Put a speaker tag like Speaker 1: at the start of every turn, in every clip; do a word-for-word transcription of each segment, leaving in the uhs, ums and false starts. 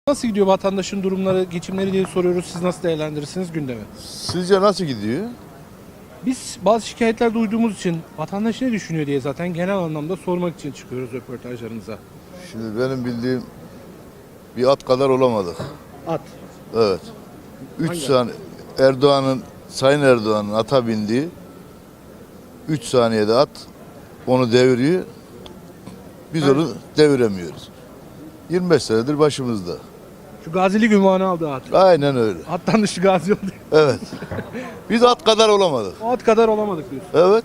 Speaker 1: Nasıl gidiyor vatandaşın durumları, geçimleri diye soruyoruz. Siz nasıl değerlendirirsiniz gündemi?
Speaker 2: Sizce nasıl gidiyor?
Speaker 1: Biz bazı şikayetler duyduğumuz için vatandaş ne düşünüyor diye zaten genel anlamda sormak için çıkıyoruz röportajlarımıza.
Speaker 2: Şimdi benim bildiğim bir at kadar olamadık.
Speaker 1: At.
Speaker 2: Evet. Üç
Speaker 1: Hangi
Speaker 2: saniye Erdoğan'ın, Sayın Erdoğan'ın ata bindiği üç saniyede at onu deviriyor. Biz
Speaker 1: Ben-
Speaker 2: onu deviremiyoruz. yirmi beş senedir başımızda.
Speaker 1: Şu gazilik ünvanı aldı at.
Speaker 2: Aynen öyle.
Speaker 1: Attan dışı gazi oldu.
Speaker 2: Evet. Biz at kadar olamadık.
Speaker 1: O at kadar olamadık diyorsun.
Speaker 2: Evet.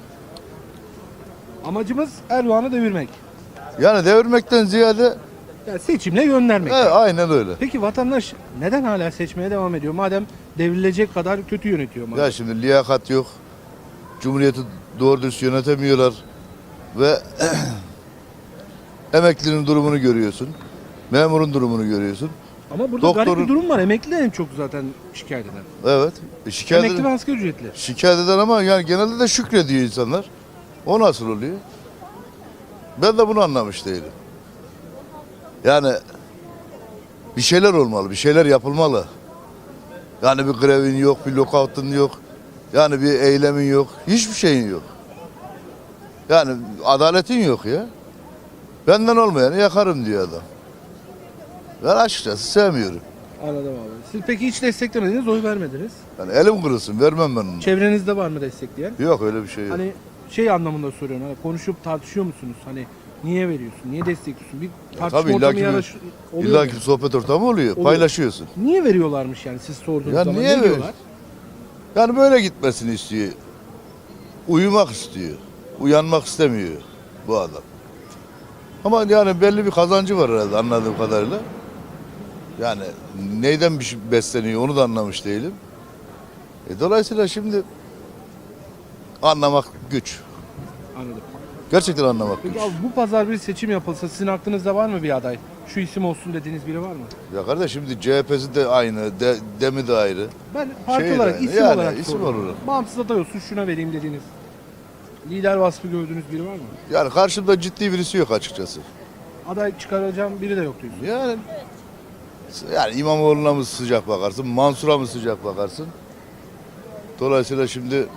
Speaker 1: Amacımız Erdoğan'ı devirmek.
Speaker 2: Yani devirmekten ziyade
Speaker 1: Yani seçimle göndermek.
Speaker 2: evet, aynen öyle.
Speaker 1: Peki vatandaş neden hala seçmeye devam ediyor? Madem devrilecek kadar kötü yönetiyor. Madem.
Speaker 2: Ya şimdi liyakat yok. Cumhuriyeti doğru dürüst yönetemiyorlar. Ve emeklinin durumunu görüyorsun. Memurun durumunu görüyorsun.
Speaker 1: Ama burada garip
Speaker 2: doktorun-
Speaker 1: bir durum var. Emekli en çok zaten şikayet eden.
Speaker 2: Evet. E, şikayet,
Speaker 1: Emekli ve
Speaker 2: eden,
Speaker 1: asgari ücretli.
Speaker 2: şikayet eden ama yani genelde de şükrediyor insanlar. O nasıl oluyor? Ben de bunu anlamış değilim. Yani bir şeyler olmalı, bir şeyler yapılmalı. Yani bir grevin yok, bir lockout'un yok. Yani bir eylemin yok, hiçbir şeyin yok. Yani adaletin yok ya. Benden olmayanı yakarım diyor adam. Ben açıkçası sevmiyorum.
Speaker 1: Anladım abi. Siz peki hiç desteklemediniz, oy vermediniz.
Speaker 2: Yani elim kırılsın, vermem ben onu.
Speaker 1: Çevrenizde var mı destekleyen?
Speaker 2: Yok öyle bir şey yok.
Speaker 1: Hani şey anlamında soruyorum. Hani konuşup tartışıyor musunuz? Hani niye veriyorsun? Niye destekliyorsun? Bir tartışma
Speaker 2: tabii,
Speaker 1: ortamı
Speaker 2: illaki bir-
Speaker 1: yaraş oluyor.
Speaker 2: İlla
Speaker 1: mu?
Speaker 2: ki sohbet ortamı oluyor,
Speaker 1: Oluyor.
Speaker 2: paylaşıyorsun.
Speaker 1: Niye veriyorlarmış yani siz sorduğunuz
Speaker 2: Ya
Speaker 1: zaman?
Speaker 2: niye
Speaker 1: ne
Speaker 2: ver-
Speaker 1: diyorlar?
Speaker 2: Yani böyle gitmesini istiyor. Uyumak istiyor. Uyanmak istemiyor bu adam. Ama yani belli bir kazancı var herhalde anladığım kadarıyla. Yani neyden bir şey besleniyor onu da anlamış değilim. E dolayısıyla şimdi anlamak güç.
Speaker 1: Anladım.
Speaker 2: Gerçekten anlamak
Speaker 1: Peki
Speaker 2: güç.
Speaker 1: abi bu pazar bir seçim yapılsa sizin aklınızda var mı bir aday? Şu isim olsun dediğiniz biri var mı?
Speaker 2: Ya kardeş şimdi C H P'si de aynı, de, Demi de ayrı.
Speaker 1: Ben parti
Speaker 2: Şey
Speaker 1: olarak,
Speaker 2: yani,
Speaker 1: isim
Speaker 2: yani
Speaker 1: olarak
Speaker 2: isim
Speaker 1: soruyorum.
Speaker 2: olarak.
Speaker 1: Bağımsız aday olsun şuna vereyim dediğiniz. Lider vasfı gördüğünüz biri var mı?
Speaker 2: Yani karşımda ciddi birisi yok açıkçası.
Speaker 1: Aday çıkaracağım biri de yok diyorsun.
Speaker 2: Yani yani İmamoğlu'na mı sıcak bakarsın, Mansur'a mı sıcak bakarsın? Dolayısıyla şimdi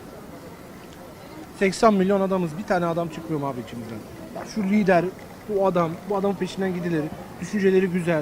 Speaker 1: seksen milyon adamız. Bir tane adam çıkmıyor mu abi içimizden? Ya şu lider, bu adam, bu adamın peşinden gidilir. Düşünceleri güzel.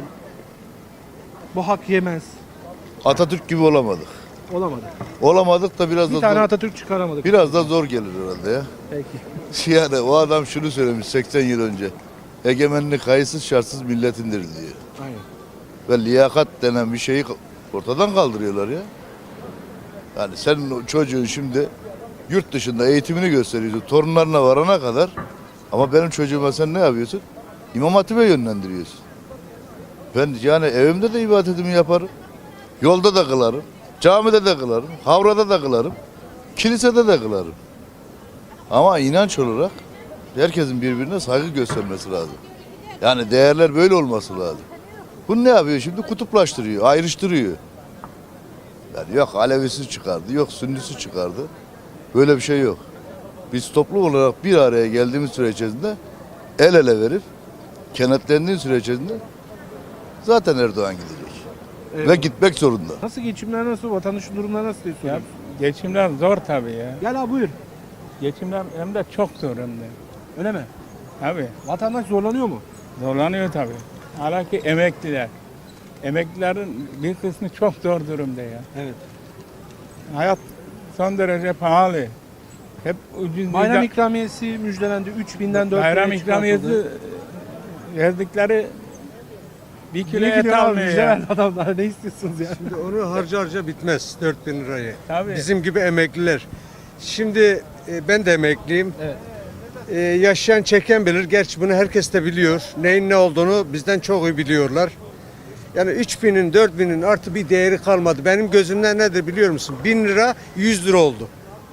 Speaker 1: Bu hak yemez.
Speaker 2: Atatürk gibi olamadık.
Speaker 1: Olamadı.
Speaker 2: Olamadık da biraz
Speaker 1: Bir
Speaker 2: da
Speaker 1: tane
Speaker 2: zor,
Speaker 1: Atatürk çıkaramadık.
Speaker 2: biraz da zor gelir herhalde ya.
Speaker 1: Peki.
Speaker 2: Yani o adam şunu söylemiş seksen yıl önce. Egemenlik kayıtsız şartsız milletindir diyor.
Speaker 1: Aynen.
Speaker 2: Ve liyakat denen bir şeyi ortadan kaldırıyorlar ya. Yani senin o çocuğun şimdi yurt dışında eğitimini gösteriyorsun torunlarına varana kadar. Ama benim çocuğuma sen ne yapıyorsun? İmam Hatip'e yönlendiriyorsun. Ben yani evimde de ibadetimi yaparım. Yolda da kılarım. Camide de kılarım. Havrada da kılarım. Kilisede de kılarım. Ama inanç olarak herkesin birbirine saygı göstermesi lazım. Yani değerler böyle olması lazım. Bu ne yapıyor şimdi? Kutuplaştırıyor, ayrıştırıyor. Yani yok Alevisi çıkardı, yok Sünnisi çıkardı. Böyle bir şey yok. Biz toplum olarak bir araya geldiğimiz süre içerisinde el ele verip kenetlendiği süre içerisinde zaten Erdoğan gidecek.
Speaker 1: Evet.
Speaker 2: Ve gitmek zorunda.
Speaker 1: Nasıl geçimler nasıl, vatandaşın durumları nasıl diye
Speaker 3: Ya
Speaker 1: soruyorum.
Speaker 3: geçimler zor tabii ya.
Speaker 1: Gel abi buyur.
Speaker 3: Geçimler hem de çok zor hem de.
Speaker 1: Öyle mi?
Speaker 3: Tabii
Speaker 1: Vatandaş zorlanıyor mu?
Speaker 3: zorlanıyor tabii. Hala ki emekliler. Emeklilerin bir kısmı çok zor durumda ya.
Speaker 1: Evet.
Speaker 3: Hayat son derece pahalı. Hep ucuz
Speaker 1: Bayram
Speaker 3: bir
Speaker 1: ikramiyesi müjdelendi. üç binden dört
Speaker 3: bayram
Speaker 1: bine
Speaker 3: ikramiyesi
Speaker 1: çıkartıldı.
Speaker 3: verdikleri bir kilo
Speaker 1: Bir
Speaker 3: et
Speaker 1: kilo
Speaker 3: almıyor
Speaker 1: müjde
Speaker 3: ya.
Speaker 1: verdi adamlar. Ne istiyorsunuz ya?
Speaker 4: Şimdi onu harca harca bitmez dört bin lirayı.
Speaker 3: Tabii.
Speaker 4: Bizim gibi emekliler. Şimdi e, ben de emekliyim.
Speaker 1: Evet.
Speaker 4: E, yaşayan çeken bilir. Gerçi bunu herkes de biliyor. Neyin ne olduğunu bizden çok iyi biliyorlar. Yani üç binin dört binin artı bir değeri kalmadı. Benim gözümden nedir biliyor musun? bin lira yüz lira oldu.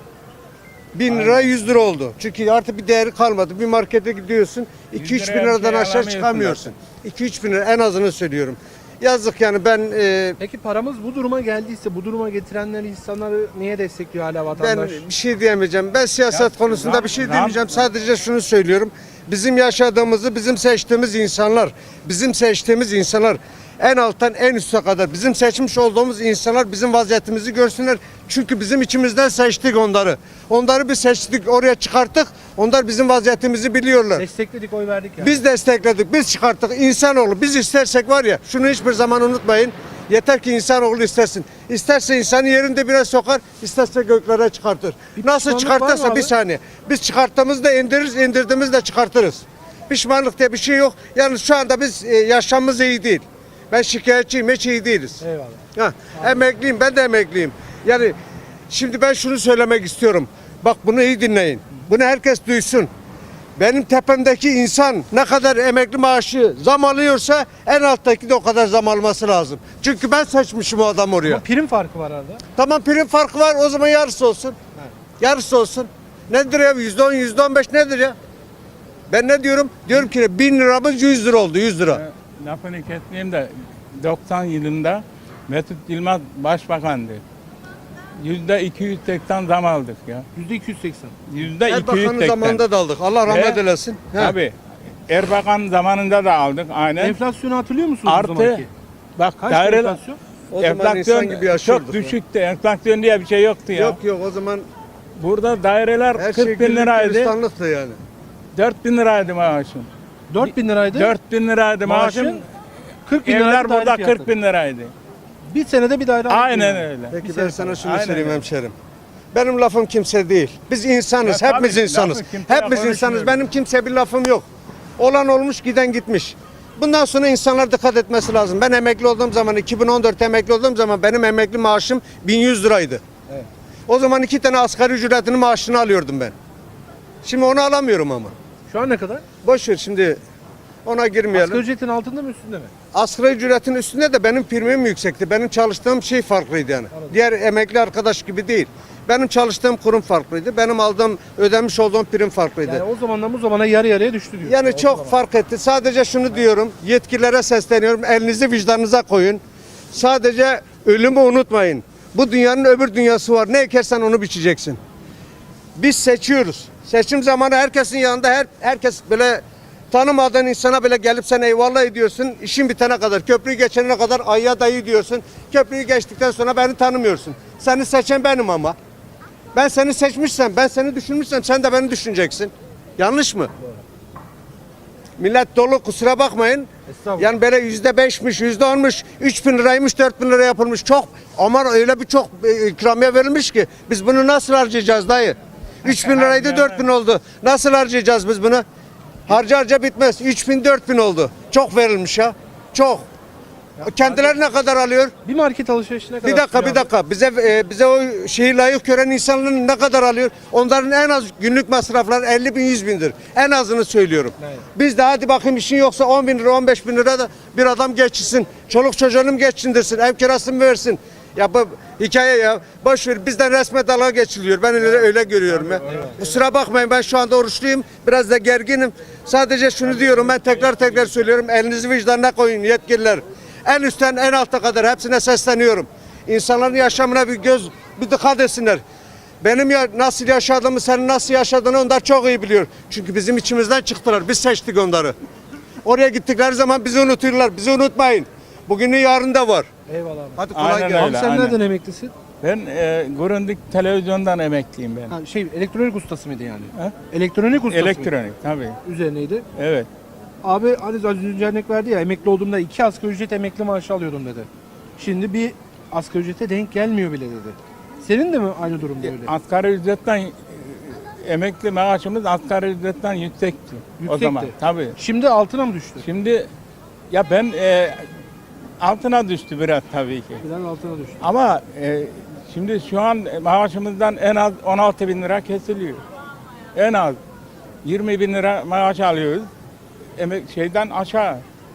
Speaker 4: bin lira yüz lira oldu. Çünkü artık bir değeri kalmadı. Bir markete gidiyorsun iki üç bin
Speaker 3: liraya bir
Speaker 4: liradan
Speaker 3: şey
Speaker 4: aşağı
Speaker 3: alamıyorsun
Speaker 4: çıkamıyorsun. iki üç bin lira en azını söylüyorum. Yazık yani ben e,
Speaker 1: Peki paramız bu duruma geldiyse bu duruma getirenler insanları niye destekliyor hala
Speaker 4: Ben
Speaker 1: vatandaş?
Speaker 4: bir şey diyemeyeceğim. Ben siyaset
Speaker 3: Ya,
Speaker 4: konusunda
Speaker 3: zam-
Speaker 4: bir şey
Speaker 3: zam-
Speaker 4: demeyeceğim. Sadece şunu söylüyorum. Bizim yaşadığımızı bizim seçtiğimiz insanlar, bizim seçtiğimiz insanlar En alttan en üste kadar bizim seçmiş olduğumuz insanlar bizim vaziyetimizi görsünler. Çünkü bizim içimizden seçtik onları. Onları bir seçtik, oraya çıkarttık. Onlar bizim vaziyetimizi biliyorlar.
Speaker 1: Destekledik, oy verdik yani.
Speaker 4: Biz destekledik, biz çıkarttık. İnsanoğlu biz istersek var ya, şunu hiçbir zaman unutmayın. Yeter ki insanoğlu istersin. İsterse insanı yerinde biraz sokar, isterse göklere çıkartır.
Speaker 1: Bir
Speaker 4: Nasıl
Speaker 1: pişmanlık var mı
Speaker 4: çıkartırsa
Speaker 1: abi?
Speaker 4: bir saniye. Biz çıkarttığımızda indiririz, indirdiğimizde çıkartırız. Pişmanlık diye bir şey yok. Yalnız şu anda biz e, yaşamımız iyi değil. Ben şikayetçiyim, hiç iyi değiliz.
Speaker 1: Eyvallah.
Speaker 4: Ha, emekliyim, ben de emekliyim. Yani şimdi ben şunu söylemek istiyorum. Bak bunu iyi dinleyin. Bunu herkes duysun. Benim tepemdeki insan ne kadar emekli maaşı zam alıyorsa en alttaki de o kadar zam alması lazım. Çünkü ben seçmişim o adam oraya.
Speaker 1: Ama prim farkı var arada.
Speaker 4: Tamam, prim farkı var, o zaman yarısı olsun. Yarısı olsun. Nedir ya? yüzde on, yüzde on beş nedir ya? Ben ne diyorum? Diyorum ki bin liramız yüz lira oldu, yüz lira.
Speaker 3: Ee, Lafını kesmeyeyim de doksan yılında Mesut Yılmaz başbakandı. Yüzde iki yüz seksen zam aldık ya.
Speaker 1: yüzde iki yüz seksen.
Speaker 3: Yüzde iki yüz
Speaker 4: Erbakan'ın
Speaker 3: seksen.
Speaker 4: zamanında da aldık. Allah rahmet
Speaker 3: Ve-
Speaker 4: eylesin. He.
Speaker 3: Tabii. Erbakan zamanında da aldık aynen.
Speaker 1: Enflasyonu hatırlıyor musunuz o
Speaker 3: Artı
Speaker 1: zamanki?
Speaker 3: bak
Speaker 1: Kaç
Speaker 3: daire
Speaker 1: enflasyon?
Speaker 4: O zaman
Speaker 3: enflasyon
Speaker 4: insan gibi yaşıyorduk.
Speaker 3: çok düşüktü. Enflasyon diye bir şey yoktu ya.
Speaker 4: Yok yok, o zaman
Speaker 3: Burada daireler
Speaker 4: her şey
Speaker 3: kırk bin
Speaker 4: güllük
Speaker 3: liraydı.
Speaker 4: gülistanlıktı yani.
Speaker 3: dört bin liraydı maaşım.
Speaker 1: dört bin liraydı.
Speaker 3: dört bin liraydı maaşım.
Speaker 1: Maaşın kırk bin liraydı
Speaker 3: Evler burada
Speaker 1: daire fiyatı.
Speaker 3: kırk bin liraydı.
Speaker 1: Bir senede bir daire aldık
Speaker 3: Aynen
Speaker 1: yani.
Speaker 3: öyle.
Speaker 4: Peki
Speaker 1: Bir
Speaker 4: ben
Speaker 1: sene
Speaker 4: sana
Speaker 1: sonra.
Speaker 4: şunu
Speaker 3: Aynen
Speaker 4: söyleyeyim
Speaker 3: öyle.
Speaker 4: hemşerim. Benim lafım kimse değil. Biz insanız,
Speaker 3: Ya
Speaker 4: hepimiz
Speaker 3: tabii,
Speaker 4: insanız.
Speaker 3: lafı kimseye
Speaker 4: Hepimiz insanız.
Speaker 3: konuşmuyorum.
Speaker 4: Benim kimseye bir lafım yok. Olan olmuş, giden gitmiş. Bundan sonra insanlar dikkat etmesi lazım. Ben emekli olduğum zaman, iki bin on dört emekli olduğum zaman benim emekli maaşım bin yüz liraydı.
Speaker 1: Evet.
Speaker 4: O zaman iki tane asgari ücretinin maaşını alıyordum ben. Şimdi onu alamıyorum ama.
Speaker 1: Şu an ne kadar?
Speaker 4: Boş ver şimdi, ona girmeyelim.
Speaker 1: Asgari ücretin altında mı üstünde mi?
Speaker 4: Asgari ücretin üstünde de benim primim yüksekti. Benim çalıştığım şey farklıydı yani. Diğer emekli arkadaş gibi değil. Benim çalıştığım kurum farklıydı. Benim aldığım, ödemiş olduğum prim farklıydı.
Speaker 1: Yani o zamandan bu zamana yarı yarıya düştü diyor.
Speaker 4: Yani çok fark etti. Sadece şunu diyorum, yetkililere sesleniyorum. Elinizi vicdanınıza koyun. Sadece ölümü unutmayın. Bu dünyanın öbür dünyası var. Ne ekersen onu biçeceksin. Biz seçiyoruz. Seçim zamanı herkesin yanında her herkes böyle tanımadığın insana bile gelip sen eyvallah ediyorsun. İşin bitene kadar, köprüyü geçene kadar ayya dayı diyorsun. Köprüyü geçtikten sonra beni tanımıyorsun. Seni seçen benim ama. Ben seni seçmişsem, ben seni düşünmüşsem sen de beni düşüneceksin. Yanlış mı? Millet dolu, kusura bakmayın.
Speaker 1: Estağfurullah.
Speaker 4: Yani böyle yüzde beşmiş, yüzde onmuş, üç bin liraymış, dört bin lira yapılmış. Çok, ama öyle bir çok e, ikramiye verilmiş ki biz bunu nasıl harcayacağız dayı? üç bin liraydı, dört bin oldu. Nasıl harcayacağız biz bunu? Harca harca bitmez. üç bin, dört bin oldu. Çok verilmiş ya. Çok. Kendileri ne kadar alıyor?
Speaker 1: Bir market alışverişine kadar.
Speaker 4: Bir dakika,
Speaker 1: tutuyor
Speaker 4: bir
Speaker 1: abi.
Speaker 4: dakika. Bize e, bize o şeyi layık gören insanların ne kadar alıyor? Onların en az günlük masrafları elli bin, yüz bindir. En azını söylüyorum.
Speaker 1: Evet.
Speaker 4: Biz de hadi bakayım işin yoksa on bin lira, on beş bin lira da bir adam geçsin. Çoluk çocuğunu geçindirsin, ev kirasını versin. Ya bu hikaye ya. Boş ver, bizden resme dalga geçiliyor. Ben öyle, öyle görüyorum ya. Kusura bakmayın, ben şu anda oruçluyum. Biraz da gerginim. Sadece şunu diyorum, ben tekrar tekrar söylüyorum. Elinizi vicdanına koyun yetkililer. En üstten en alta kadar hepsine sesleniyorum. İnsanların yaşamına bir göz, bir dikkat etsinler. Benim ya nasıl yaşadığımı, senin nasıl yaşadığını onlar çok iyi biliyor. Çünkü bizim içimizden çıktılar. Biz seçtik onları. Oraya gittikleri zaman bizi unutuyorlar. Bizi unutmayın. Bugünü yarın da var.
Speaker 1: Eyvallah abi.
Speaker 4: Hadi kolay
Speaker 3: Aynen
Speaker 4: gelsin.
Speaker 1: Abi
Speaker 3: öyle.
Speaker 1: sen
Speaker 3: aynen.
Speaker 1: nereden emeklisin?
Speaker 3: Ben e, Grundig televizyondan emekliyim ben.
Speaker 1: Ha, şey elektronik ustası mıydı yani?
Speaker 3: Ha?
Speaker 1: Elektronik ustası mıydı?
Speaker 3: Elektronik tabii.
Speaker 1: Üzerineydi.
Speaker 3: Evet.
Speaker 1: Abi hani az önce örnek verdi ya, emekli olduğumda iki asgari ücret emekli maaşı alıyordum dedi. Şimdi bir asgari ücrete denk gelmiyor bile dedi. Senin de mi aynı durumda öyle?
Speaker 3: Asgari ücretten e, emekli maaşımız asgari ücretten yüksekti. O
Speaker 1: Yüksekti.
Speaker 3: zaman tabii.
Speaker 1: Şimdi altına mı düştü?
Speaker 3: Şimdi ya ben e, altına düştü biraz tabii ki.
Speaker 1: Biraz altına düştü.
Speaker 3: Ama e, şimdi şu an maaşımızdan en az on altı bin lira kesiliyor. En az yirmi bin lira maaş alıyoruz. Emek şeyden aşağı.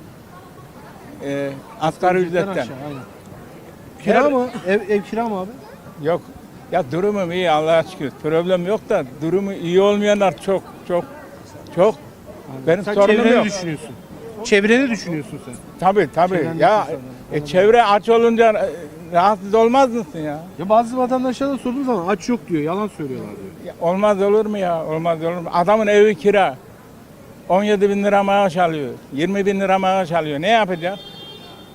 Speaker 3: E, asgari ücretten.
Speaker 1: Aşağı, aynen. Kira
Speaker 3: Her-
Speaker 1: mı? Ev, ev kira mı abi?
Speaker 3: Yok. Ya durumum iyi Allah'a şükür. Problem yok da durumu iyi olmayanlar çok çok çok. Benim
Speaker 1: Sen
Speaker 3: sorunum
Speaker 1: çevreni
Speaker 3: yok.
Speaker 1: düşünüyorsun. Çevreni düşünüyorsun sen.
Speaker 3: Tabii tabii.
Speaker 1: Çevrendeki
Speaker 3: Ya
Speaker 1: insanlar,
Speaker 3: e,
Speaker 1: anladım.
Speaker 3: çevre aç olunca e, rahatsız olmaz mısın ya?
Speaker 1: Ya bazı vatandaşlara da sorduğum zaman aç yok diyor. Yalan söylüyorlar diyor.
Speaker 3: Ya olmaz olur mu ya? Olmaz olur mu? Adamın evi kira. on yedi bin lira maaş alıyor. yirmi bin lira maaş alıyor. Ne yapacak?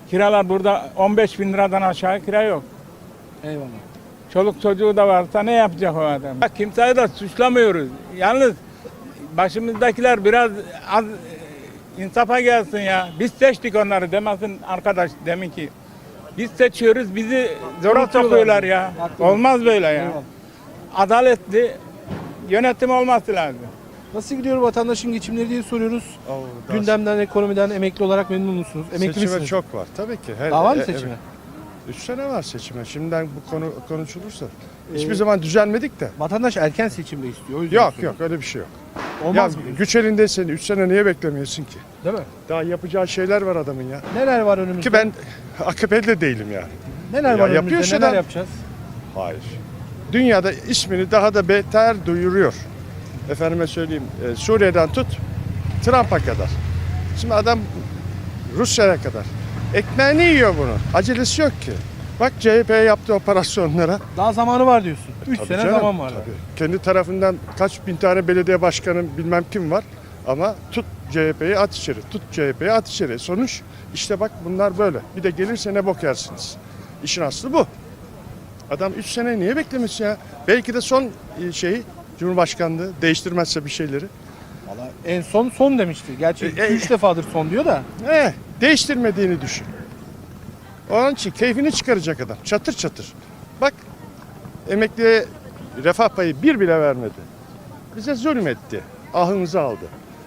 Speaker 3: Kiralar burada on beş bin liradan aşağı kira yok.
Speaker 1: Eyvallah.
Speaker 3: Çoluk çocuğu da varsa ne yapacak o adam? Bak, kimseyi de suçlamıyoruz. Yalnız başımızdakiler biraz az e, insafa gelsin ya. Biz seçtik onları demesin arkadaş demin ki. Biz seçiyoruz, bizi zora
Speaker 1: Unutuyorlar
Speaker 3: sokuyorlar
Speaker 1: bizi.
Speaker 3: ya.
Speaker 1: Haklı.
Speaker 3: Olmaz böyle ya.
Speaker 1: Eyvallah.
Speaker 3: Adaletli yönetim olması lazım.
Speaker 1: Nasıl gidiyor vatandaşın geçimleri diye soruyoruz.
Speaker 5: Oo, daha
Speaker 1: Gündemden, ekonomiden, emekli olarak memnun musunuz? Emekli
Speaker 5: seçime
Speaker 1: misiniz?
Speaker 5: çok var tabii ki. Her,
Speaker 1: Daha var mı
Speaker 5: e-
Speaker 1: seçime?
Speaker 5: evet. Üç sene var seçime. Şimdiden bu konu konuşulursa.
Speaker 1: Ee,
Speaker 5: Hiçbir zaman düzelmedik de.
Speaker 1: Vatandaş erken seçimde istiyor. O yüzden
Speaker 5: Yok
Speaker 1: soruyorum.
Speaker 5: yok öyle bir şey yok.
Speaker 1: Olmaz
Speaker 5: ya
Speaker 1: mı? diyorsun?
Speaker 5: güç elindeysen üç sene niye beklemiyorsun ki?
Speaker 1: Değil mi?
Speaker 5: Daha yapacağı şeyler var adamın ya.
Speaker 1: Neler var önümüzde?
Speaker 5: Ki ben A K P'li de değilim yani.
Speaker 1: Neler
Speaker 5: Ya
Speaker 1: var
Speaker 5: yapıyor
Speaker 1: önümüzde?
Speaker 5: işte
Speaker 1: Neler
Speaker 5: adam.
Speaker 1: yapacağız?
Speaker 5: Hayır. Dünyada ismini daha da beter duyuruyor. Efendime söyleyeyim e, Suriye'den tut Trump'a kadar. Şimdi adam Rusya'ya kadar. Ekmeğini yiyor bunu. Acelesi yok ki. Bak C H P'ye yaptığı operasyonlara.
Speaker 1: Daha zamanı var diyorsun. üç
Speaker 5: Tabii
Speaker 1: sene
Speaker 5: canım,
Speaker 1: zaman var.
Speaker 5: tabii. Kendi tarafından kaç bin tane belediye başkanı bilmem kim var. Ama tut C H P'yi at içeri, tut C H P'yi at içeri. Sonuç işte bak bunlar böyle. Bir de gelirse ne bok yersiniz. İşin aslı bu. Adam üç sene niye beklemiş ya? Belki de son e, şeyi Cumhurbaşkanlığı değiştirmezse bir şeyleri.
Speaker 1: Vallahi en son son demişti. Gerçi
Speaker 5: E, e,
Speaker 1: üç defadır son diyor da.
Speaker 5: Eh, değiştirmediğini düşün. Onun için keyfini çıkaracak adam. Çatır çatır. Bak emekliye refah payı bir bile vermedi. Bize zulmetti. Ahımızı aldı.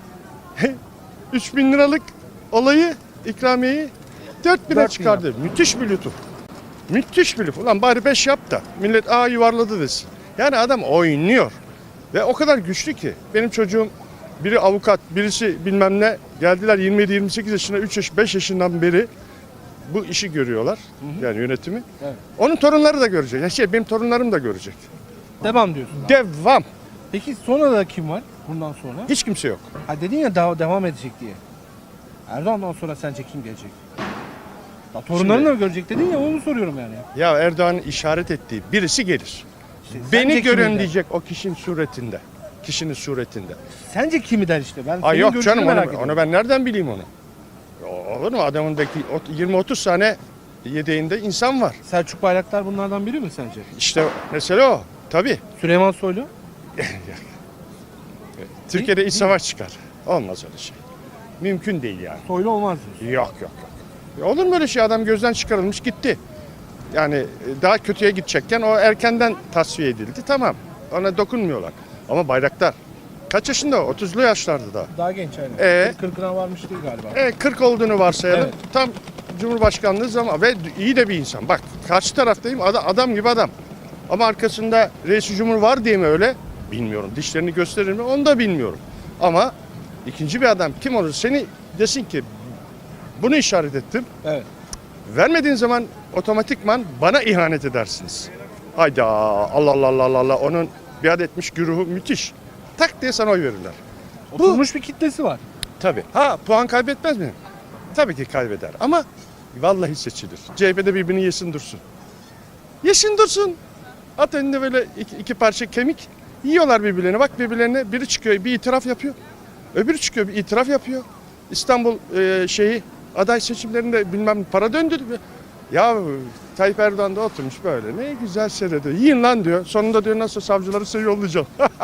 Speaker 5: üç bin liralık olayı, ikramiyeyi dört bine
Speaker 1: dört bin
Speaker 5: çıkardı. Müthiş bir lütuf. Müthiş bir lütuf. Ulan bari beş yap da millet aa yuvarladı desin. Yani adam oynuyor. Ve o kadar güçlü ki. Benim çocuğum biri avukat, birisi bilmem ne. Geldiler yirmi yedi yirmi sekiz yaşında, üç yaş, beş yaşından beri bu işi görüyorlar. Yani yönetimi.
Speaker 1: Evet.
Speaker 5: Onun torunları da görecek. Ya şey benim torunlarım da görecek.
Speaker 1: Devam diyorsun.
Speaker 5: Devam.
Speaker 1: Peki sonra da kim var bundan sonra?
Speaker 5: Hiç kimse yok.
Speaker 1: Ha dedin ya daha devam edecek diye. Erdoğan'dan sonra sence kim gelecek? Ya torunlarını da görecek dedin ya onu soruyorum yani.
Speaker 5: Ya Erdoğan'ın işaret ettiği birisi gelir.
Speaker 1: İşte sence
Speaker 5: Beni
Speaker 1: kimi
Speaker 5: görün
Speaker 1: der?
Speaker 5: diyecek o kişinin suretinde. Kişinin suretinde.
Speaker 1: Sence kimi der işte? Ben
Speaker 5: Ay
Speaker 1: senin
Speaker 5: yok
Speaker 1: görüşünü
Speaker 5: canım
Speaker 1: merak
Speaker 5: onu,
Speaker 1: ediyorum.
Speaker 5: onu ben nereden bileyim onu? O- Olur mu adamındaki yirmi otuz tane yedeğinde insan var.
Speaker 1: Selçuk Bayraktar bunlardan biri mi sence?
Speaker 5: İşte mesele o. Tabii.
Speaker 1: Süleyman Soylu?
Speaker 5: Türkiye'de iç
Speaker 1: değil
Speaker 5: savaş çıkar. Olmaz öyle şey. Mümkün değil yani.
Speaker 1: Soylu olmaz diyorsun.
Speaker 5: Yok yok yok. Ya olur mu öyle şey? Adam gözden çıkarılmış gitti. Yani e, daha kötüye gidecekken o erkenden tasfiye edildi. Tamam. Ona dokunmuyorlar. Ama Bayraktar kaç yaşında o? otuzlu yaşlarda da.
Speaker 1: Daha genç aynen.
Speaker 5: Ee?
Speaker 1: kırkına varmış değil galiba.
Speaker 5: E, kırk olduğunu varsayalım.
Speaker 1: Evet.
Speaker 5: Tam Cumhurbaşkanlığı zaman ve iyi de bir insan. Bak karşı taraftayım adam, adam gibi adam. Ama arkasında reis cumhur var diye mi öyle? Bilmiyorum. Dişlerini gösterir mi? Onu da bilmiyorum. Ama ikinci bir adam kim olur? Seni desin ki bunu işaret ettim.
Speaker 1: Evet.
Speaker 5: Vermediğin zaman otomatikman bana ihanet edersiniz. Hayda Allah Allah Allah Allah onun biat etmiş güruhu müthiş. Tak diye sana oy verirler.
Speaker 1: Oturmuş bir kitlesi var.
Speaker 5: Tabii. Ha puan kaybetmez mi? Tabii ki kaybeder ama vallahi seçilir. C H P'de birbirini yesin dursun. Yesin dursun. At önünde böyle iki, iki parça kemik. Yiyorlar birbirlerine. Bak birbirlerine biri çıkıyor bir itiraf yapıyor. Öbürü çıkıyor bir itiraf yapıyor. İstanbul e, şeyi aday seçimlerinde bilmem para döndü. Ya Tayyip Erdoğan da oturmuş böyle ne güzel seyrediyor. Yiyin lan diyor. Sonunda diyor nasıl savcıları size yollayacağım.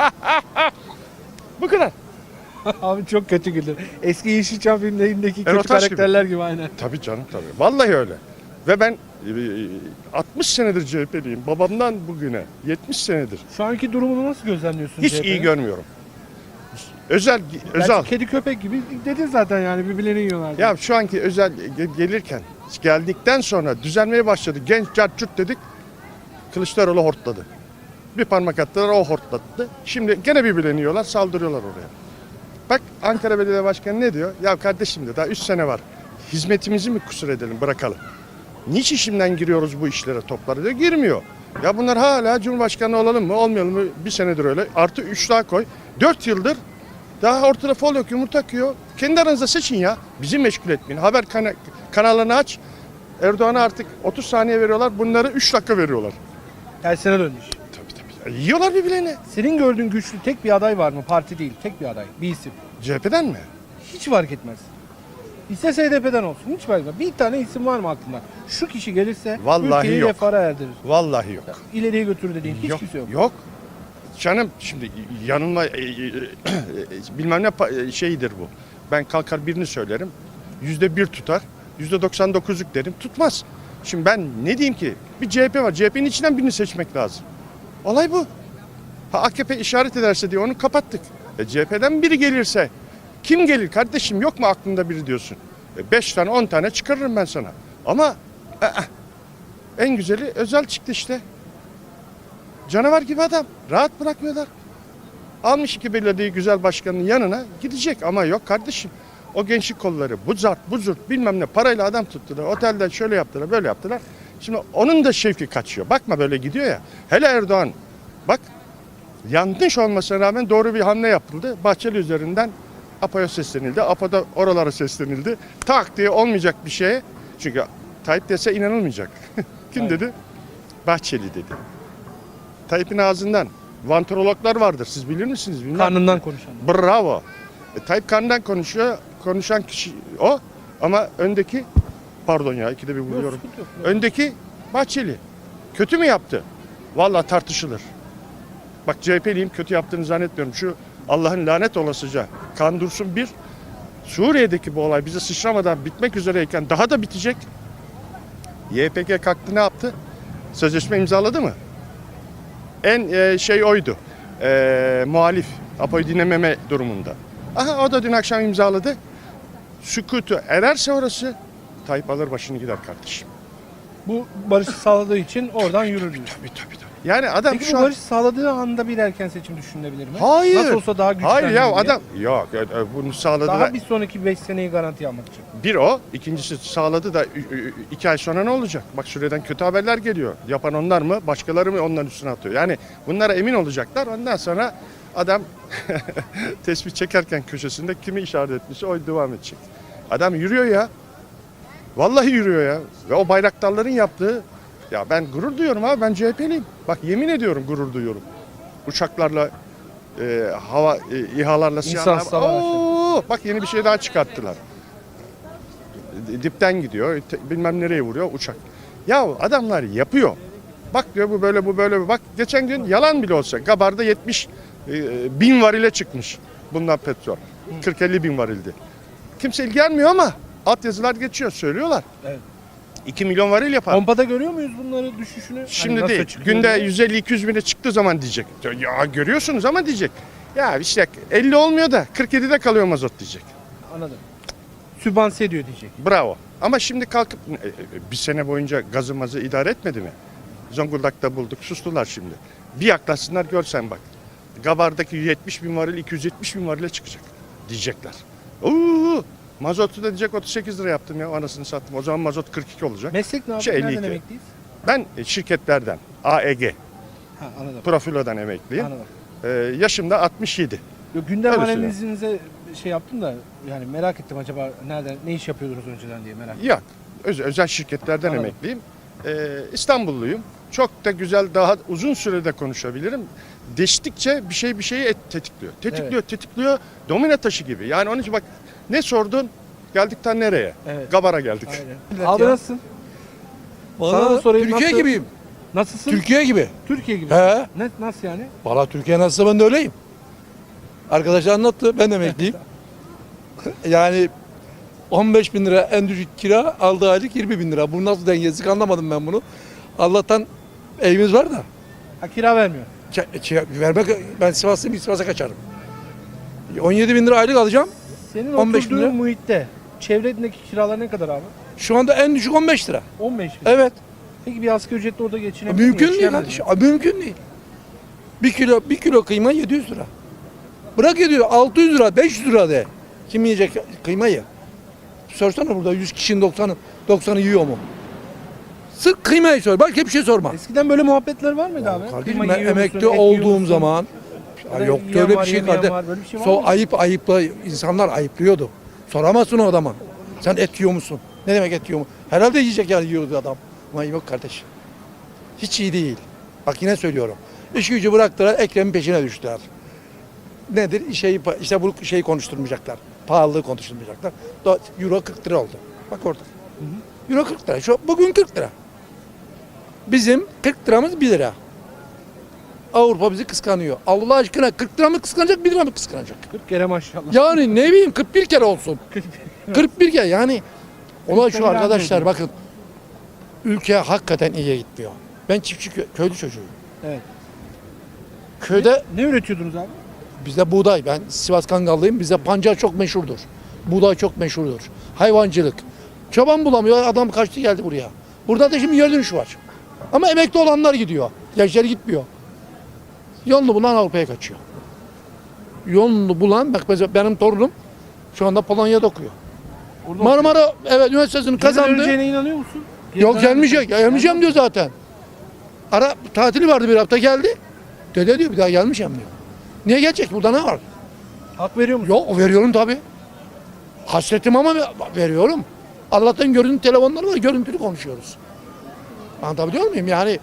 Speaker 5: Bu kadar.
Speaker 1: Abi çok kötü güldür. Eski Yeşilçam filmlerindeki kötü
Speaker 5: Erotaş gibi.
Speaker 1: karakterler gibi aynen.
Speaker 5: Tabii canım tabii. Vallahi öyle. Ve ben e, altmış senedir C H P'liyim. Babamdan bugüne yetmiş senedir.
Speaker 1: Şu anki durumunu nasıl gözlemliyorsun?
Speaker 5: Hiç
Speaker 1: C H P'nin?
Speaker 5: iyi görmüyorum. Özel
Speaker 1: Gerçi
Speaker 5: özel.
Speaker 1: kedi köpek gibi dedin zaten yani birbirlerini yiyorlar.
Speaker 5: Ya şu anki özel ge- gelirken geldikten sonra düzelmeye başladı. Genç cartçut dedik. Kılıçdaroğlu hortladı. Bir parmak attılar o hortlattı. Şimdi gene birbirlerini yiyorlar saldırıyorlar oraya. Bak Ankara Belediye Başkanı ne diyor? Ya kardeşim de daha üç sene var. Hizmetimizi mi kusur edelim bırakalım. Niçin şimdiden giriyoruz bu işlere toplara diyor. Girmiyor. Ya bunlar hala Cumhurbaşkanı olalım mı olmayalım mı bir senedir öyle. Artı üç daha koy. Dört yıldır daha ortada fol yok yumurta akıyor. Kendi aranızda seçin ya. Bizi meşgul etmeyin. Haber kana- kanallarını aç. Erdoğan'a artık otuz saniye veriyorlar. Bunları üç dakika veriyorlar.
Speaker 1: Tersine dönmüş.
Speaker 5: Tabii tabii. Ya, yiyorlar birbirlerini.
Speaker 1: Senin gördüğün güçlü tek bir aday var mı? Parti değil, tek bir aday, bir isim.
Speaker 5: C H P'den mi?
Speaker 1: Hiç fark etmez. İstese H D P'den olsun. Hiç fark etmez. Bir tane isim var mı aklında? Şu kişi gelirse
Speaker 5: Vallahi
Speaker 1: ülkeyi
Speaker 5: yok.
Speaker 1: refara erdirir.
Speaker 5: Vallahi yok.
Speaker 1: İleriye götürür dediğin hiç
Speaker 5: yok,
Speaker 1: kimse yok.
Speaker 5: Yok. Canım şimdi yanılma e, e, e, bilmem ne pa- e, şeyidir bu. Ben kalkar birini söylerim. Yüzde bir tutar. Yüzde doksan dokuzluk derim. Tutmaz. Şimdi ben ne diyeyim ki? Bir C H P var. C H P'nin içinden birini seçmek lazım. Olay bu. Ha A K P işaret ederse diye onu kapattık. E, C H P'den biri gelirse kim gelir kardeşim, yok mu aklında biri diyorsun. E, beş tane on tane çıkarırım ben sana. Ama e, e, en güzeli Özel çıktı işte. Canavar gibi adam. Rahat bırakmıyorlar. Almış iki belediye güzel başkanının yanına gidecek ama yok kardeşim. O gençlik kolları bu zart bu zurt bilmem ne parayla adam tuttular. Otelden şöyle yaptılar böyle yaptılar. Şimdi onun da şevki kaçıyor. Bakma böyle gidiyor ya. Hele Erdoğan bak yanlış olmasına rağmen doğru bir hamle yapıldı. Bahçeli üzerinden APO'ya seslenildi. APO'da oralara seslenildi. Tak diye olmayacak bir şeye. Çünkü Tayyip dese inanılmayacak. Kim
Speaker 1: Aynen.
Speaker 5: dedi? Bahçeli dedi. Tayyip'in ağzından vantrologlar vardır. Siz bilir misiniz? Bilmem.
Speaker 1: Karnından konuşan.
Speaker 5: Bravo. E, Tayyip karnından konuşuyor. Konuşan kişi o. Ama öndeki pardon ya ikide bir
Speaker 1: Yok,
Speaker 5: buluyorum.
Speaker 1: sıkıntı yok.
Speaker 5: Öndeki Bahçeli. Kötü mü yaptı? Vallahi tartışılır. Bak C H P'liyim, kötü yaptığını zannetmiyorum. Şu Allah'ın lanet olasıca kan dursun bir. Suriye'deki bu olay bize sıçramadan bitmek üzereyken daha da bitecek. Y P G kalktı ne yaptı? Sözleşme imzaladı mı? En e, şey oydu. E, muhalif. APO'yu dinlememe durumunda. Aha o da dün akşam imzaladı. Sükutu ererse orası Tayyip alır başını gider kardeşim.
Speaker 1: Bu barışı sağladığı için oradan yürür diyor.
Speaker 5: Tabii tabii tabii. Yani adam
Speaker 1: Peki
Speaker 5: şu
Speaker 1: bu
Speaker 5: an...
Speaker 1: barış sağladığı anda bir erken seçim düşünülebilir mi?
Speaker 5: Hayır.
Speaker 1: Nasıl olsa daha güçlenir
Speaker 5: Hayır ya
Speaker 1: diye.
Speaker 5: adam... Yok e, e, bunu sağladı
Speaker 1: Daha
Speaker 5: da...
Speaker 1: bir sonraki beş seneyi garanti almak için.
Speaker 5: Bir o. İkincisi sağladı da ü- ü- iki ay sonra ne olacak? Bak Suriye'den kötü haberler geliyor. Yapan onlar mı? Başkaları mı onların üstüne atıyor? Yani bunlara emin olacaklar. Ondan sonra adam tespih çekerken köşesinde kimi işaret etmişse o devam edecek. Adam yürüyor ya. Vallahi yürüyor ya. Ve o bayraktarların yaptığı... Ya ben gurur duyuyorum abi. Ben C H P'liyim. Bak yemin ediyorum gurur duyuyorum. Uçaklarla, e, hava e, İHA'larla,
Speaker 1: İnsan
Speaker 5: SİHA'larla...
Speaker 1: hava
Speaker 5: Oo, bak yeni bir şey daha çıkarttılar. Dipten gidiyor, te- bilmem nereye vuruyor uçak. Ya adamlar yapıyor. Bak diyor bu böyle bu böyle. Bak geçen gün yalan bile olsa Gabar'da yetmiş e, bin varile çıkmış bundan petrol. kırk elli bin varildi. Kimse ilgilenmiyor ama altyazılar geçiyor söylüyorlar.
Speaker 1: Evet.
Speaker 5: iki milyon varil yapar.
Speaker 1: Pompada görüyor muyuz bunları düşüşünü? Hani
Speaker 5: Şimdi
Speaker 1: nasıl
Speaker 5: değil.
Speaker 1: çıkıyor
Speaker 5: Günde
Speaker 1: diye?
Speaker 5: yüz elli iki yüz bine çıktığı zaman diyecek. Ya görüyorsunuz ama diyecek. Ya işte elli olmuyor da kırk yedide kalıyor mazot diyecek.
Speaker 1: Anladım. Sübvanse ediyor diyecek.
Speaker 5: Bravo. Ama şimdi kalkıp e, e, bir sene boyunca gazı mazı idare etmedi mi? Zonguldak'ta bulduk. Sustular şimdi. Bir yaklaşsınlar görsen bak. Gabar'daki yetmiş bin varil iki yüz yetmiş bin varile çıkacak diyecekler. Oo, mazotu da diyecek otuz sekiz lira yaptım ya anasını sattım. O zaman mazot kırk iki olacak.
Speaker 1: Meslek ne abi?
Speaker 5: Şey,
Speaker 1: Nereden
Speaker 5: elli iki.
Speaker 1: emekliyiz?
Speaker 5: Ben e, şirketlerden A E G,
Speaker 1: Ha anladım.
Speaker 5: Profilo'dan emekliyim.
Speaker 1: Anladım.
Speaker 5: Ee, yaşım da altmış yedi.
Speaker 1: Yo, gündem
Speaker 5: Öyle
Speaker 1: analizinize şey yaptım da yani merak ettim acaba nereden ne iş yapıyordunuz önceden diye merak ettim.
Speaker 5: Yok. Öz- özel şirketlerden
Speaker 1: Anladım.
Speaker 5: emekliyim. Ee, İstanbulluyum. Çok da güzel, daha uzun sürede konuşabilirim. Değiştikçe bir şey bir şeyi et- tetikliyor. Tetikliyor,
Speaker 1: Evet.
Speaker 5: tetikliyor. Domino taşı gibi. Yani onun için bak ne sordun? Geldik ta nereye?
Speaker 1: Evet.
Speaker 5: Gabar'a geldik.
Speaker 1: Aynen. Abi nasılsın? Sana da
Speaker 6: Valla
Speaker 1: sorayım,
Speaker 6: Türkiye
Speaker 1: nasıl?
Speaker 6: gibiyim.
Speaker 1: Nasılsın?
Speaker 6: Türkiye gibi.
Speaker 1: Türkiye gibi.
Speaker 6: He.
Speaker 1: Ne, nasıl yani?
Speaker 6: Valla Türkiye nasılsa ben de öyleyim. Arkadaşlar anlattı. Ben de emekliyim. Yani on beş bin lira en düşük kira, aldığı aylık yirmi bin lira. Bu nasıl dengesizlik anlamadım ben bunu. Allah'tan evimiz var da.
Speaker 1: Ha kira vermiyor.
Speaker 6: Ç- ç- vermek, ben Sivaslıyım, bir Sivas'a kaçarım. on yedi bin lira aylık alacağım.
Speaker 1: Senin
Speaker 6: on beş bin
Speaker 1: oturduğun
Speaker 6: lira.
Speaker 1: muhitte çevredeki kiralar ne kadar abi?
Speaker 6: Şu anda en düşük on beş lira.
Speaker 1: on beş bin.
Speaker 6: Evet.
Speaker 1: Peki bir asgari ücretle orada geçinebilir mi?
Speaker 6: Mümkün değil
Speaker 1: Yaşayamaz
Speaker 6: kardeşim.
Speaker 1: mı?
Speaker 6: Abi Mümkün değil. Bir kilo bir kilo kıyma yedi yüz lira. Bırak ediyor altı yüz lira, beş yüz lira de. Kim yiyecek kıymayı? Sorsana burada yüz kişinin doksanı doksanı yiyor mu? Sık kıymayı sor. Başka bir şey sorma.
Speaker 1: Eskiden böyle muhabbetler var mıydı abi?
Speaker 6: Kardeşim
Speaker 1: Kıyma
Speaker 6: ben
Speaker 1: yiyor musun,
Speaker 6: emekli
Speaker 1: et yiyor
Speaker 6: olduğum
Speaker 1: musun?
Speaker 6: zaman
Speaker 1: Ya
Speaker 6: ya
Speaker 1: da
Speaker 6: yok
Speaker 1: yiyen
Speaker 6: öyle
Speaker 1: var,
Speaker 6: bir şey
Speaker 1: yemeyen
Speaker 6: kardeşim.
Speaker 1: var, böyle bir şey var
Speaker 6: So
Speaker 1: mı?
Speaker 6: ayıp ayıpla insanlar ayıplıyordu. Soramazsın o adama. Sen et yiyor musun? Ne demek et yiyor mu? Herhalde yiyecek yani yiyordu adam. Ama yok kardeş. Hiç iyi değil. Bak yine söylüyorum. İş gücü bıraktılar, Ekrem'in peşine düştüler. Nedir? Şeyi, işte bu şeyi konuşturmayacaklar. pahalılığı konuşulmayacaklar. Do- Euro kırk lira oldu. Bak orada. Euro kırk lira. Şu, bugün kırk lira. Bizim kırk liramız bir lira. Avrupa bizi kıskanıyor. Allah aşkına kırk lira mı kıskanacak, bir lira mı kıskanacak?
Speaker 1: kırk kere maşallah.
Speaker 6: Yani ne bileyim kırk bir kere olsun. kırk bir kere yani. Olay şu
Speaker 1: kere
Speaker 6: arkadaşlar
Speaker 1: anlıyordum.
Speaker 6: bakın. Ülke hakikaten iyiye gitmiyor. Ben çiftçi kö- köylü çocuğuyum.
Speaker 1: Evet.
Speaker 6: Köyde
Speaker 1: Ne üretiyordunuz abi?
Speaker 6: bizde buğday, ben Sivas Kangallıyım. Bizde pancar çok meşhurdur. Buğday çok meşhurdur. Hayvancılık. Çoban bulamıyor, adam kaçtı geldi buraya. Burada da şimdi yer dönüşü var. Ama emekli olanlar gidiyor. Gençler gitmiyor. Yolunu bulan Avrupa'ya kaçıyor. Yolunu bulan, bak mesela benim torunum şu anda Polonya'da okuyor.
Speaker 1: Orada
Speaker 6: Marmara evet üniversitesini
Speaker 1: Geri
Speaker 6: kazandı.
Speaker 1: döneceğine inanıyor musun? Geri
Speaker 6: Yok
Speaker 1: döner
Speaker 6: gelmeyecek.
Speaker 1: misin?
Speaker 6: Ya, gelmeyeceğim diyor zaten. Ara tatili vardı bir hafta geldi. Dede diyor bir daha gelmeyeceğim diyor. Niye gelecek? Burada ne var?
Speaker 1: Hak veriyor musun?
Speaker 6: Yok veriyorum tabii. Hasretim ama veriyorum. Allah'tan görüntü telefonları var. Görüntülü konuşuyoruz. Anlatabiliyor muyum? Yani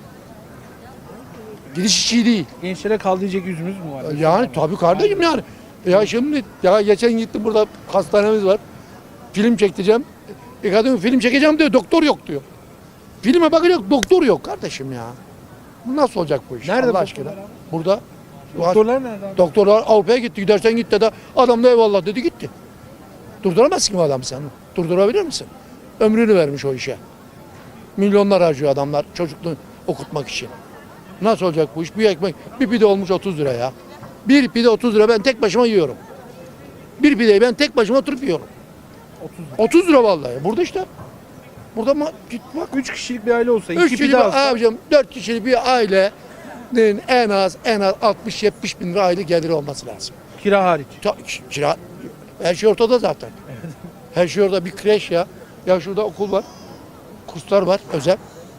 Speaker 6: gidiş hiç iyi değil.
Speaker 1: Gençlere kal diyecek yüzümüz mü var?
Speaker 6: Yani tabii kardeşim yani. Ya şimdi ya geçen gittim burada hastanemiz var. Film çekeceğim. E kadın film çekeceğim diyor. Doktor yok diyor. Filme bakacak doktor yok kardeşim ya. Bu nasıl olacak bu iş?
Speaker 1: Nerede
Speaker 6: Allah
Speaker 1: bu
Speaker 6: aşkına?
Speaker 1: doktorlar abi?
Speaker 6: Burada.
Speaker 1: Doktorlar nerede abi?
Speaker 6: Doktorlar Avrupa'ya gitti. Gidersen git dedi. Adam da eyvallah dedi gitti. Durduramazsın ki bu adamı sen. Durdurabilir misin? Ömrünü vermiş o işe. Milyonlar harcıyor adamlar çocukluğunu okutmak için. Nasıl olacak bu iş? Bir ekmek, bir pide olmuş otuz lira ya. Bir pide otuz lira ben tek başıma yiyorum. Bir pideyi ben tek başıma oturup yiyorum.
Speaker 1: otuz lira.
Speaker 6: otuz lira vallahi. Burada işte. Burada ma- git bak.
Speaker 1: üç kişilik bir aile olsa,
Speaker 6: Üç
Speaker 1: iki
Speaker 6: kişilik
Speaker 1: pide
Speaker 6: bir,
Speaker 1: alsa.
Speaker 6: abicim, dört kişilik bir ailenin en az en az altmış yetmiş bin lira aylık geliri olması lazım.
Speaker 1: Kira hariç.
Speaker 6: Ta- Kira, her şey ortada zaten. Her şey orada bir kreş ya. Ya şurada okul var. Kurslar var özel.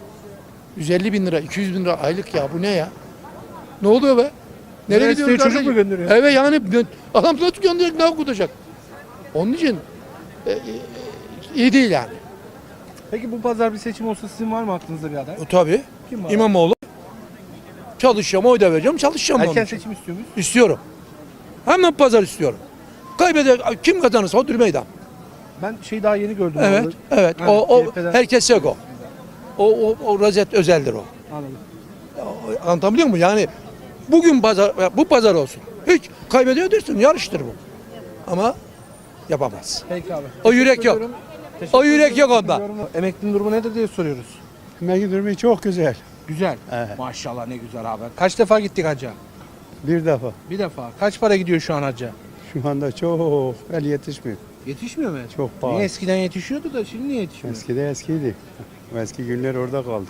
Speaker 6: yüz elli bin lira, iki yüz bin lira aylık ya. Bu ne ya? Ne oluyor be? Nereye
Speaker 1: Üniversiteye
Speaker 6: gidiyoruz
Speaker 1: çocuk
Speaker 6: kardeşim?
Speaker 1: mu gönderiyor?
Speaker 6: Evet yani adam nasıl gönderecek, ne okutacak? Onun için e, e, iyi değil yani.
Speaker 1: Peki bu pazar bir seçim olsa sizin var mı aklınızda bir aday?
Speaker 6: E, tabii.
Speaker 1: Kim var?
Speaker 6: İmamoğlu. Çalışacağım, oy da vereceğim, çalışacağım. onun
Speaker 1: Erken
Speaker 6: için.
Speaker 1: seçim istiyor muyuz?
Speaker 6: İstiyorum. Hemen pazar istiyorum. Kaybeder, kim kazanırsa odur meydan.
Speaker 1: Ben şey daha yeni gördüm.
Speaker 6: Evet,
Speaker 1: abi.
Speaker 6: evet.
Speaker 1: Evet,
Speaker 6: O, o
Speaker 1: C H P'den
Speaker 6: herkes yok o. O, o, o rozet özeldir o.
Speaker 1: Anladım.
Speaker 6: O- Anlatabiliyor muyum? Yani bugün pazar, bu pazar olsun. Hiç kaybediyor dersin, yarıştır bu. Ama yapamaz.
Speaker 1: Peki abi.
Speaker 6: O yürek
Speaker 1: Teşekkür
Speaker 6: yok.
Speaker 1: ediyorum. Teşekkür
Speaker 6: O yürek
Speaker 1: ediyorum.
Speaker 6: yok onda.
Speaker 1: Yorum- Emeklinin durumu nedir diye soruyoruz.
Speaker 7: Emekli durumu çok güzel.
Speaker 1: Güzel.
Speaker 7: Evet.
Speaker 1: Maşallah ne güzel abi. Kaç defa gittik hacca?
Speaker 7: Bir defa.
Speaker 1: Bir defa. Kaç para gidiyor şu an hacca?
Speaker 7: Şu anda çok el yetişmiyor.
Speaker 1: Yetişmiyor mu?
Speaker 7: Çok pahalı.
Speaker 1: Niye eskiden yetişiyordu da şimdi niye yetişmiyor?
Speaker 7: Eskide eskiydi. O eski günler orada kaldı.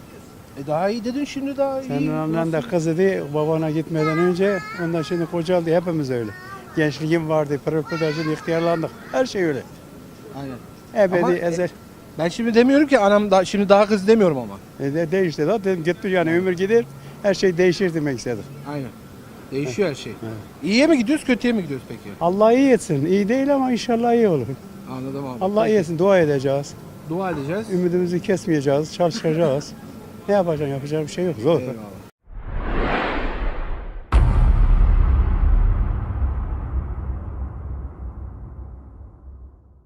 Speaker 1: E daha iyi dedin şimdi daha iyi.
Speaker 7: Senin annen de
Speaker 1: Nasıl?
Speaker 7: kız idi babana gitmeden önce. Ondan şimdi kocaldı. Hepimiz öyle. Gençliğim vardı. Pırpıdacılık, ihtiyarlandık. Her şey öyle.
Speaker 1: Aynen.
Speaker 7: Ebedi
Speaker 1: Ama, e,
Speaker 7: ezel.
Speaker 1: Ben şimdi demiyorum ki anam da şimdi daha kız demiyorum ama.
Speaker 7: E, de, değişti da dedim gitti yani ömür gider. Her şey değişir demek istedim.
Speaker 1: Aynen. Değişiyor her şey. İyiye mi gidiyoruz, kötüye mi gidiyoruz peki?
Speaker 7: Allah iyi etsin. İyi değil ama inşallah iyi olur.
Speaker 1: Anladım abi.
Speaker 7: Allah iyi
Speaker 1: Peki.
Speaker 7: etsin. Dua edeceğiz.
Speaker 1: Dua edeceğiz.
Speaker 7: Ümidimizi kesmeyeceğiz. Çalışacağız. Ne yapacaksın? Yapacak bir şey yok. Zor.
Speaker 1: Eyvallah.